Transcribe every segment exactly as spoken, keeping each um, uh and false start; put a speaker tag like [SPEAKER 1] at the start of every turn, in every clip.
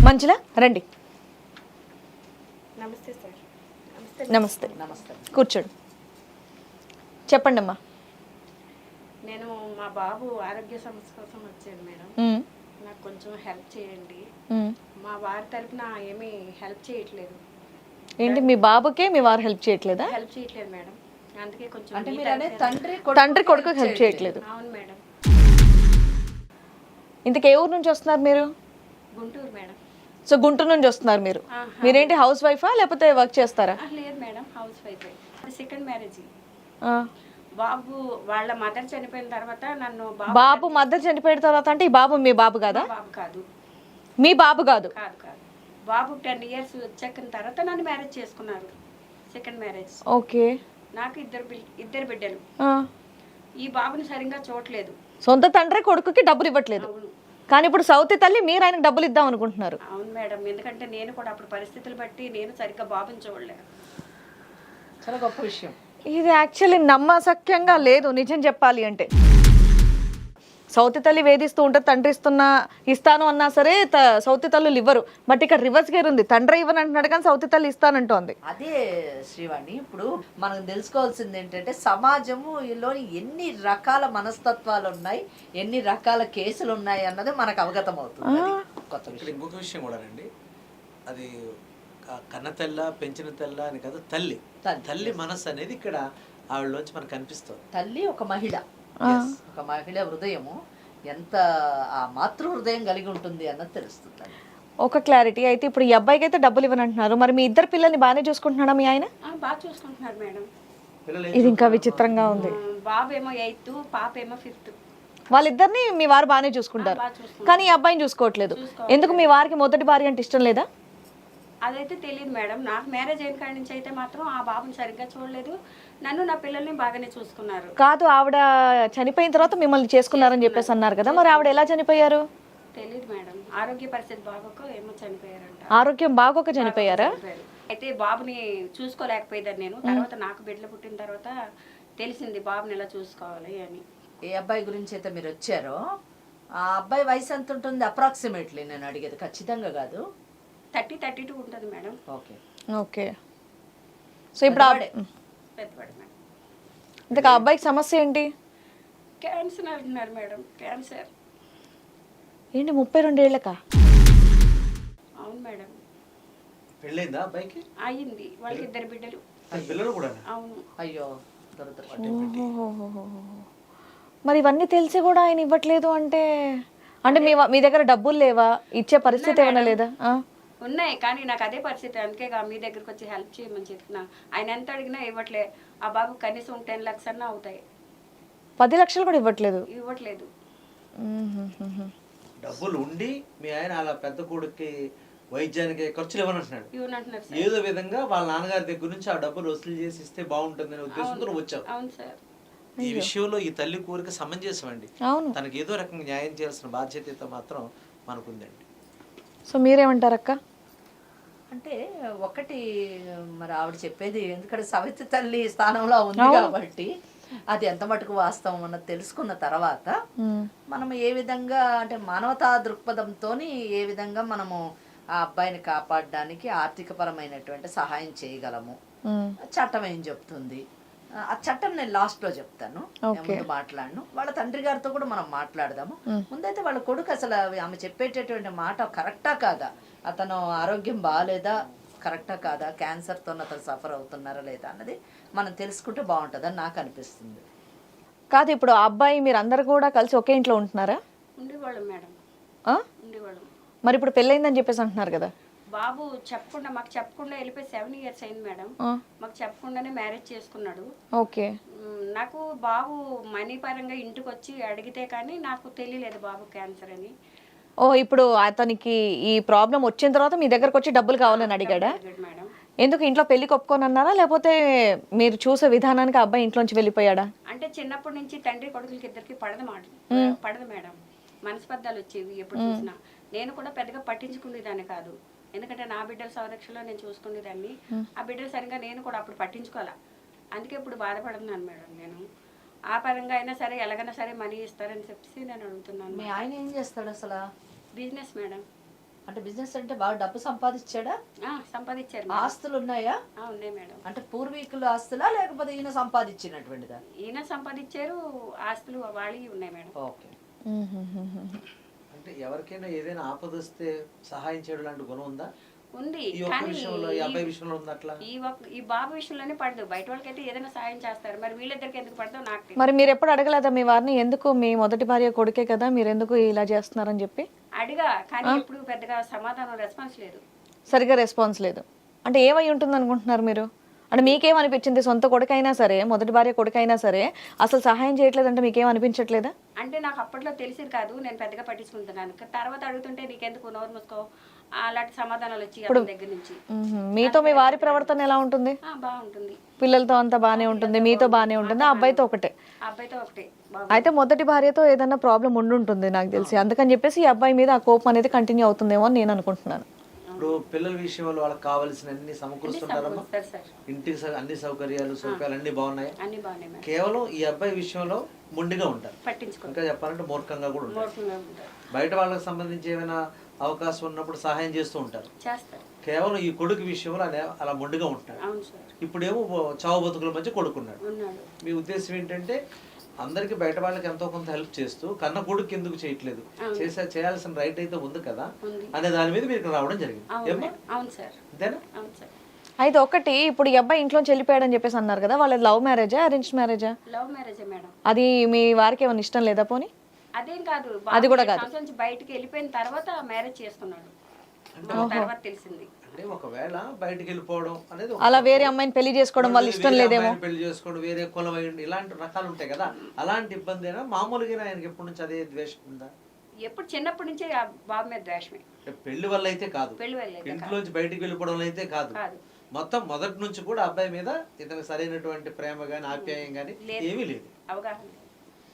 [SPEAKER 1] మంచిలా రండి.
[SPEAKER 2] నమస్తే సార్.
[SPEAKER 1] నమస్తే నమస్తే కూర్చోండి. చెప్పండి అమ్మా.
[SPEAKER 2] నేను మా బాబు ఆరోగ్య సమస్య కోసం వచ్చాను మేడం. నాకు కొంచెం హెల్ప్ చేయండి. మా వారి తరపున ఏమీ హెల్ప్ చేయట్లేదు.
[SPEAKER 1] ఏంటి మీ బాబుకే మీ వారు హెల్ప్ చేయట్లేదా?
[SPEAKER 2] హెల్ప్ చేయట్లేదు మేడం. అందుకే కొంచెం
[SPEAKER 3] అంటే మీరు అనే తండ్రి
[SPEAKER 1] తండ్రి కొడుకు హెల్ప్ చేయట్లేదు.
[SPEAKER 2] అవును మేడం.
[SPEAKER 1] ఇంతకు ఏ ఊరు నుంచి వస్తున్నారు మీరు?
[SPEAKER 2] గుంటూరు మేడం.
[SPEAKER 1] సో గుంటూరు నుంచి వస్తున్నారు మీరు. మీరేంటి హౌస్ వైఫా లేకపోతే వర్క్ చేస్తారా?
[SPEAKER 2] లేదు madam, housewife. Second marriage. బాబు వాళ్ళ మదర్ చనిపోయిన తర్వాత నన్ను
[SPEAKER 1] బాబు మదర్ చనిపోయిన తర్వాత అంటే ఈ బాబు మీ బాబు కాదా?
[SPEAKER 2] బాబు కాదు.
[SPEAKER 1] మీ బాబు కాదు?
[SPEAKER 2] కాదు కాదు. బాబు టెన్ ఇయర్స్ వచ్చాక తర్వాత నన్ను మ్యారేజ్ చేసుకున్నారు. Second marriage.
[SPEAKER 1] ఓకే.
[SPEAKER 2] నాకు ఇద్దరు ఇద్దరు బిడ్డలు. ఈ బాబుని సరిగ్గా చూడలేదు.
[SPEAKER 1] సొంత తండ్రి కొడుకుకి డబ్బులు ఇవ్వట్లేదు. కానీ ఇప్పుడు సౌతి తల్లి మీరు ఆయనకు డబ్బులు ఇద్దాం అనుకుంటున్నారు.
[SPEAKER 2] అవును మేడం, ఎందుకంటే నేను కూడా అప్పుడు పరిస్థితులు బట్టి నేను సరిగ్గా బాబుని చూడలే.
[SPEAKER 3] చాలా గొప్ప విషయం
[SPEAKER 1] ఇది. యాక్చువల్లీ నమ్మశక్యంగా లేదు నిజం చెప్పాలి అంటే. సౌతి తల్లి వేధిస్తూ ఉంటే తండ్రి ఇస్తున్నా ఇస్తాను అన్నా సరే సౌతి తల్లులు ఇవ్వరు. బట్ ఇక్కడ రివర్స్ గేర్ ఉంది. తండ్రి ఇవ్వని అంటున్నాడు కానీ సౌతి తల్లి ఇస్తానంటోంది.
[SPEAKER 3] అదే శ్రీవాణి, ఇప్పుడు మనం తెలుసుకోవాల్సింది ఏంటంటే సమాజములోని ఎన్ని రకాల మనస్తత్వాలు ఉన్నాయి, ఎన్ని రకాల కేసులు ఉన్నాయి అన్నది మనకు అవగతం అవుతుంది. కొత్త విషయం.
[SPEAKER 4] ఇంకొక విషయం కూడా అండి, అది కన్న తెల్ల పెంచిన తెల్ల అని కాదు, తల్లి తల్లి మనసు అనేది ఇక్కడ ఆవిడలోంచి మనకు కనిపిస్తుంది.
[SPEAKER 3] తల్లి ఒక మహిళ, ఒక మహిళ హృదయము ఎంత ఆ మాతృ హృదయం కలిగి ఉంటుంది అన్నది తెలుస్తుంది.
[SPEAKER 1] ఒక క్లారిటీ అయితే ఇప్పుడు ఈ అబ్బాయికి అయితే డబ్బులు ఇవ్వనంటున్నారు. మరి మీ ఇద్దరు పిల్లల్ని బాగానే చూసుకుంటున్నాడా మీ ఆయన?
[SPEAKER 2] బాగా చూసుకుంటున్నారు మేడం.
[SPEAKER 1] ఇది ఇంకా విచిత్రంగా ఉంది.
[SPEAKER 2] బాబు ఏమో ఎయిత్, పాప ఏమో ఫిఫ్త్.
[SPEAKER 1] వాళ్ళిద్దరిని మీ వారు బాగానే చూసుకుంటారు కానీ ఈ అబ్బాయిని చూసుకోవట్లేదు. ఎందుకు? మీ వారికి మొదటి భార్య అంటే ఇష్టం లేదా?
[SPEAKER 2] అదైతే తెలియదు మేడం. నాకు మ్యారేజ్ అయిన కాడి నుంచి అయితే మాత్రం ఆ బాబుని సరిగ్గా చూడలేదు. నన్ను నా పిల్లల్ని బాగానే చూసుకున్నారు.
[SPEAKER 1] కాదు, ఆవిడ చనిపోయిన తర్వాత మిమ్మల్ని చేసుకున్నారని చెప్పేసి అన్నారు కదా, మరి ఆవిడ ఎలా చనిపోయారు?
[SPEAKER 2] తెలియదు మేడం. ఆరోగ్య పరిస్థితి బాగోక ఏమో చనిపోయారంట.
[SPEAKER 1] ఆరోగ్యం బాగోక చనిపోయారా?
[SPEAKER 2] అయితే బాబుని చూసుకోలేకపోయేదాన్ని నేను. తర్వాత నాకు బిడ్డలు పుట్టిన తర్వాత తెలిసింది బాబుని ఎలా చూసుకోవాలి అని.
[SPEAKER 3] ఏ అబ్బాయి గురించి అయితే మీరు వచ్చారో ఆ అబ్బాయి వయసు ఎంత ఉంటుంది అప్రాక్సిమేట్లీ? నేను అడిగేది ఖచ్చితంగా కాదు.
[SPEAKER 2] థర్టీ థర్టీ టూ ఉంటుంది మేడం.
[SPEAKER 3] Okay
[SPEAKER 1] okay. సో ఇప్పుడు
[SPEAKER 2] పెద్దవాడు మేడం.
[SPEAKER 1] ఇంతకు ఆ అబ్బాయికి సమస్య ఏంటి?
[SPEAKER 2] క్యాన్సర్ అంటున్నారు మేడం. క్యాన్సర్
[SPEAKER 1] ఏంటి ముప్పై రెండేళ్లకా?
[SPEAKER 2] అవును మేడం.
[SPEAKER 4] పెళ్ళైందా అబ్బాయికి?
[SPEAKER 2] అయ్యింది. వాళ్ళకి ఇద్దరు బిడ్డలు.
[SPEAKER 4] పిల్లలు కూడా?
[SPEAKER 2] అవును.
[SPEAKER 3] అయ్యో.
[SPEAKER 1] మరి ఇవన్నీ తెలిసి కూడా ఆయన ఇవ్వట్లేదు అంటే అంటే మీ మీ దగ్గర డబ్బులు లేవా? ఇచ్చే పరిస్థితి ఏమైనా లేదా?
[SPEAKER 2] ఉన్నాయి కానీ నాకు అదే పరిస్థితి. అందుకే మీ దగ్గరకు వచ్చి హెల్ప్ చేయమని చెప్తున్నా. ఆయన ఎంత అడిగినా ఇవ్వట్లే. ఆ బాబు కనీసం టెన్ లాక్స్ అన్నా అవుతాయి.
[SPEAKER 1] పది లక్షలు కూడా ఇవ్వట్లేదు.
[SPEAKER 2] ఇవ్వట్లేదు.
[SPEAKER 4] డబ్బులు ఉండి మీ ఆయన అలా పెద్ద కొడుక్కి వైద్యానికి ఖర్చులు ఇవ్వనంటున్నాడు.
[SPEAKER 2] ఇవ్వనంటున్నారు.
[SPEAKER 4] ఏదో విధంగా వాళ్ళ నాన్నగారి దగ్గర నుంచి ఆ డబ్బులు వసూలు చేసి ఇస్తే బాగుంటుందనే ఉద్దేశంతో వచ్చావు.
[SPEAKER 2] అవును సార్.
[SPEAKER 4] ఈ విషయంలో ఈ తల్లి కోరిక సమంజసం అండి.
[SPEAKER 1] అవును.
[SPEAKER 4] తనకి ఏదో రకంగా న్యాయం చేయాల్సిన బాధ్యత మాత్రం మనకుందండి.
[SPEAKER 1] సో మీరేమంటారు అక్క?
[SPEAKER 3] అంటే ఒకటి మరి ఆవిడ చెప్పేది, ఎందుకంటే సవితి తల్లి స్థానంలో ఉంది కాబట్టి అది ఎంత మటుకు వాస్తవం అన్నది తెలుసుకున్న తర్వాత మనం ఏ విధంగా అంటే మానవతా దృక్పథంతో ఏ విధంగా మనము ఆ అబ్బాయిని కాపాడడానికి ఆర్థిక పరమైనటువంటి సహాయం చేయగలము, చట్టం ఏం చెప్తుంది ఆ చట్టం నేను లాస్ట్ లో చెప్తాను. ముందు మాట్లాడను. వాళ్ళ తండ్రి గారితో కూడా మనం మాట్లాడదాము. ముందైతే వాళ్ళ కొడుకు అసలు ఆమె చెప్పేటటువంటి మాట కరెక్టా కాదా, అతను ఆరోగ్యం బాగాలేదా, కరెక్టా కాదా, క్యాన్సర్తో అతను సఫర్ అవుతున్నారా లేదా అన్నది మనం తెలుసుకుంటే బాగుంటుందని నాకు అనిపిస్తుంది.
[SPEAKER 1] కాదు, ఇప్పుడు ఆ అబ్బాయి మీరు అందరు కూడా కలిసి ఒకే ఇంట్లో ఉంటున్నారా?
[SPEAKER 2] ఉండేవాళ్ళం మేడం. ఉండేవాళ్ళం.
[SPEAKER 1] మరి ఇప్పుడు పెళ్ళైందని చెప్పేసి అంటున్నారు కదా.
[SPEAKER 2] బాబు చెప్పకుండా మాకు చెప్పకుండా వెళ్ళిపోయి సెవెన్ ఇయర్స్ అయింది మేడం. మాకు చెప్పకుండానే మ్యారేజ్ చేసుకున్నాడు.
[SPEAKER 1] ఓకే.
[SPEAKER 2] నాకు బాబు మనీ పరంగా ఇంటికి వచ్చి అడిగితే కానీ నాకు తెలియలేదు బాబు క్యాన్సర్ అని.
[SPEAKER 1] ఓ, ఇప్పుడు అతనికి ఈ ప్రాబ్లం వచ్చిన తర్వాత మీ దగ్గరకు వచ్చి డబ్బులు కావాలని అడిగాడా?
[SPEAKER 2] మేడం.
[SPEAKER 1] ఎందుకు ఇంట్లో పెళ్లి ఒప్పుకొని అన్నారా లేకపోతే మీరు చూసే విధానానికి అబ్బాయి ఇంట్లోంచి వెళ్ళిపోయాడా?
[SPEAKER 2] అంటే చిన్నప్పటి నుంచి తండ్రి కొడుకులకి ఇద్దరికి పడదు మాట పడదు మేడం. మనస్పర్ధాలు వచ్చేవి ఎప్పుడు చూసినా. నేను కూడా పెద్దగా పట్టించుకునేదాన్ని కాదు. ఎందుకంటే నా బిడ్డల సంరక్షణలో నేను చూసుకునేదాన్ని. ఆ బిడ్డలు సరిగ్గా నేను కూడా అప్పుడు పట్టించుకోవాలా. అందుకే ఇప్పుడు బాధపడుతున్నాను మేడం. నేను ఆ పరంగా అయినా సరే ఎలాగైనా సరే మనీ ఇస్తారని చెప్పి నేను అడుగుతున్నాను.
[SPEAKER 3] మీ ఆయన ఏం చేస్తాడు అసలు?
[SPEAKER 2] Business madam.
[SPEAKER 3] అంటే బిజినెస్ అంటే బాగా డబ్బు సంపాదించాడా?
[SPEAKER 2] ఆ, సంపాదించారు.
[SPEAKER 3] ఆస్తులు ఉన్నాయా?
[SPEAKER 2] ఆ, ఉన్నాయి మేడం.
[SPEAKER 3] అంటే పూర్వీకుల ఆస్తులా లేకపోతే ఈయన సంపాదించినటువంటిదా?
[SPEAKER 2] ఈయన సంపాదించారు, ఆస్తులు వాళ్ళవి ఉన్నాయి మేడం.
[SPEAKER 3] ఓకే.
[SPEAKER 4] అంటే ఎవరికైనా ఏదైనా ఆపద వస్తే సహాయం చేయడం లాంటి గుణం ఉందా
[SPEAKER 2] ఉంది,
[SPEAKER 4] ఈ ఒక్క
[SPEAKER 2] కానీ
[SPEAKER 4] విషయంలో ఈ అబ్బాయి విషయంలో ఉంది అట్లా?
[SPEAKER 2] ఈ ఒక్క- ఈ బాబు విషయంలోనే పడదు. బయట వాళ్ళకైతే ఏదైనా సాయం చేస్తారు, మరి వీళ్ళిద్దరికి ఎందుకు పడదో నాకు తెలియదు.
[SPEAKER 1] మరి మీరు ఎప్పుడు అడగలేదా మీ వారిని, ఎందుకు మీ మొదటి భార్య కొడుకే కదా మీరు ఎందుకు ఇలా చేస్తున్నారని చెప్పి?
[SPEAKER 2] అడిగా, కానీ ఎప్పుడు పెద్దగా సమాధానం రెస్పాన్స్ లేదు.
[SPEAKER 1] సరిగా రెస్పాన్స్ లేదు అంటే ఏమై ఉంటుంది అనుకుంటున్నారు మీరు? అంటే మీకేమనిపించింది? సొంత కొడుకైనా సరే, మొదటి భార్య కొడుకైనా సరే అసలు సహాయం చేయట్లేదంటే మీకేం అనిపించట్లేదా?
[SPEAKER 2] అంటే నాకు అప్పట్లో తెలిసేది కాదు, నేను పెద్దగా పట్టించుకుంటున్నాను. తర్వాత అడుగుతుంటే నీకెందుకు నోరు మూసుకో అలాంటి సమాధానాలు వచ్చి అతని దగ్గర నుంచి.
[SPEAKER 1] మ్మ్. మీతో మీ వారి ప్రవర్తన ఎలా ఉంటుంది?
[SPEAKER 2] ఆ, బాగుంటుంది.
[SPEAKER 1] పిల్లలతో అంతా బానే ఉంటుంది, మీతో బానే ఉంటుంది, ఆ అబ్బాయితో ఒకటే.
[SPEAKER 2] ఆ అబ్బాయితో ఒకటే బాగు.
[SPEAKER 1] అయితే మొదటి భార్యతో ఏదైనా ప్రాబ్లం ఉండుంటుంది నాకు తెలిసి, అందుకని చెప్పేసి ఈ అబ్బాయి మీద ఆ కోపం అనేది కంటిన్యూ అవుతుందేమో అని నేను అనుకుంటున్నాను.
[SPEAKER 4] ఇప్పుడు పిల్లల విషయంలో వాళ్ళకి కావాల్సిన అన్ని సమకూరుస్తుంటారమ్మా?
[SPEAKER 2] సరే సార్,
[SPEAKER 4] ఇంటికి స- అన్ని సౌకర్యాలు సౌకర్యాలు అన్ని బాగున్నాయి.
[SPEAKER 2] అన్ని బాగున్నాయి మేడం.
[SPEAKER 4] కేవలం ఈ అబ్బాయి విషయంలో మొండిగా ఉంటారు,
[SPEAKER 2] పట్టించుకో
[SPEAKER 4] ఇంకా చెప్పాలంటే మూర్ఖంగా కూడా ఉంటారు.
[SPEAKER 2] మూర్ఖంగా ఉంటారు.
[SPEAKER 4] బయట వాళ్ళకి సంబంధించి ఏమైనా అవకాశం ఉన్నప్పుడు సహాయం చేస్తూ ఉంటారు.
[SPEAKER 2] చేస్తారు.
[SPEAKER 4] కేవలం ఈ కొడుకు విషయంలో అలా అలా మొండిగా ఉంటున్నాడు.
[SPEAKER 2] అవును సార్,
[SPEAKER 4] ఇప్పుడేమో చావు బతుకుల మధ్య కొడుకున్నాడు.
[SPEAKER 2] ఉన్నాడు.
[SPEAKER 4] మీ ఉద్దేశం ఏంటంటే అందరికి బయట వాళ్ళకి ఎంతో కొంత హెల్ప్ చేస్తూ కన్న కొడుకు ఎందుకు చేయట్లేదు, చేసే చేయాల్సిన రైట్ అయితే ఉంది కదా
[SPEAKER 2] ఉంది.
[SPEAKER 4] అనే దాని మీద మీరు ఇక్కడ రావడం జరిగింది.
[SPEAKER 2] అవును
[SPEAKER 4] ఏమ్మా?
[SPEAKER 2] మేడం. అవును సార్,
[SPEAKER 4] అంతేనా?
[SPEAKER 2] అవును సార్.
[SPEAKER 1] అయితే ఒకటి, ఇప్పుడు ఈ అబ్బాయి ఇంట్లో వెళ్ళిపోయాడని చెప్పేసి అన్నారు కదా, వాళ్ళది లవ్ మ్యారేజా అరేంజ్ మ్యారేజా?
[SPEAKER 2] లవ్ మ్యారేజే మేడం.
[SPEAKER 1] అది మీ వారికి ఏమైనా ఇష్టం లేదా పోనీ?
[SPEAKER 2] అదేం కాదు,
[SPEAKER 1] అది కూడా కాదు.
[SPEAKER 2] సంవత్సరం నుంచి బయటికి వెళ్ళిపోయిన తర్వాత మ్యారేజ్ చేసుకున్నాడు. మాకు తర్వాత తెలిసింది.
[SPEAKER 4] అంటే ఒకవేళ బయటికి వెళ్ళిపోవడం అనేది ఒక
[SPEAKER 1] అలా వేరే అమ్మాయిని పెళ్లి చేసుకోవడం వాళ్ళ ఇష్టం
[SPEAKER 4] వేరే
[SPEAKER 1] లేదేమో.
[SPEAKER 4] అమ్మాయిని పెళ్లి చేసుకోవడం, వేరే కులం అయ్యండి, ఇలాంటి రకాలు ఉంటాయి కదా, అలాంటి ఇబ్బంది అయినా మామూలుగా ఆయనకి ఎప్పటి నుంచి అదే ద్వేషం ఉందా?
[SPEAKER 2] ఎప్పుడు చిన్నప్పటి నుంచి ఆ బాబు మీద ద్వేషమే.
[SPEAKER 4] అంటే పెళ్లి వల్ల అయితే కాదు,
[SPEAKER 2] పెళ్లి వల్ల అయితే
[SPEAKER 4] ఇంట్లోంచి బయటికి వెళ్ళిపోవడం అయితే కాదు,
[SPEAKER 2] కాదు.
[SPEAKER 4] మొత్తం మొదటి నుంచి కూడా అబ్బాయి మీద ఇతనికి సరైనటువంటి ప్రేమ గాని ఆప్యాయం గాని ఏమీ లేదు.
[SPEAKER 2] అవగాహన లేదు.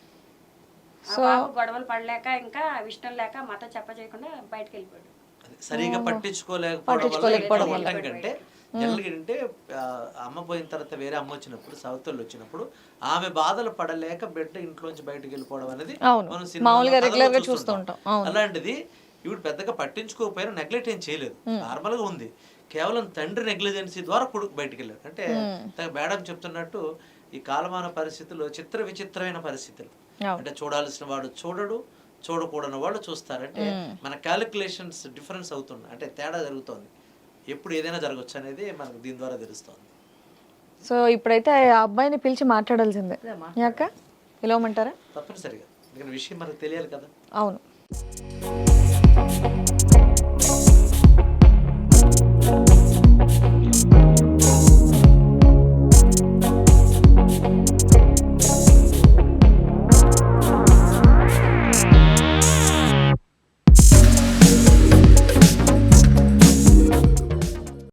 [SPEAKER 2] ఆ బాబు గొడవలు పడలేక ఇంకా ఇష్టం లేక మత చెప్ప చేయకుండా బయటకు వెళ్ళిపోయాడు.
[SPEAKER 4] అది సరిగా పట్టించుకోలేకపోవడం వల్ల కంటే జనరల్గా ఏంటంటే ఆ, అమ్మ పోయిన తర్వాత వేరే అమ్మ వచ్చినప్పుడు సౌత్ వాళ్ళు వచ్చినప్పుడు ఆమె బాధలు పడలేక బిడ్డ ఇంట్లోంచి బయటకు వెళ్ళిపోవడం అనేది
[SPEAKER 1] అవును.
[SPEAKER 4] మనం
[SPEAKER 1] మామూలుగా
[SPEAKER 4] సినిమాలో
[SPEAKER 1] రెగ్యులర్ గా
[SPEAKER 4] కథలో
[SPEAKER 1] చూస్తూ
[SPEAKER 4] చూస్తుంటాం.
[SPEAKER 1] ఉంటాం. అవును.
[SPEAKER 4] అలాంటిది ఇప్పుడు పెద్దగా పట్టించుకోకపోయినా నెగ్లెక్ట్ ఏం చేయలేదు, నార్మల్ గా ఉంది. కేవలం తండ్రి నెగ్లిజెన్సీ ద్వారా కొడుకు బయటికి వెళ్ళాడు. అంటే మేడం చెప్తున్నట్టు ఈ కాలమాన పరిస్థితుల్లో చిత్ర విచిత్రమైన పరిస్థితులు.
[SPEAKER 1] అవును.
[SPEAKER 4] అంటే చూడాల్సిన వాడు చూడడు, చూడకూడని వాళ్ళు చూస్తారు. అంటే మన క్యాలిక్యులేషన్స్ డిఫరెన్స్ అవుతుంది, అంటే తేడా జరుగుతోంది. ఎప్పుడు ఏదైనా జరగచ్చు అనేది మనకు దీని ద్వారా తెలుస్తోంది.
[SPEAKER 1] సో ఇప్పుడైతే ఆ అబ్బాయిని పిలిచి మాట్లాడాల్సిందే. యాక పిలవమంటారా?
[SPEAKER 4] తప్పనిసరిగా, ఎందుకంటే విషయం మనకు తెలియాలి కదా.
[SPEAKER 1] అవును.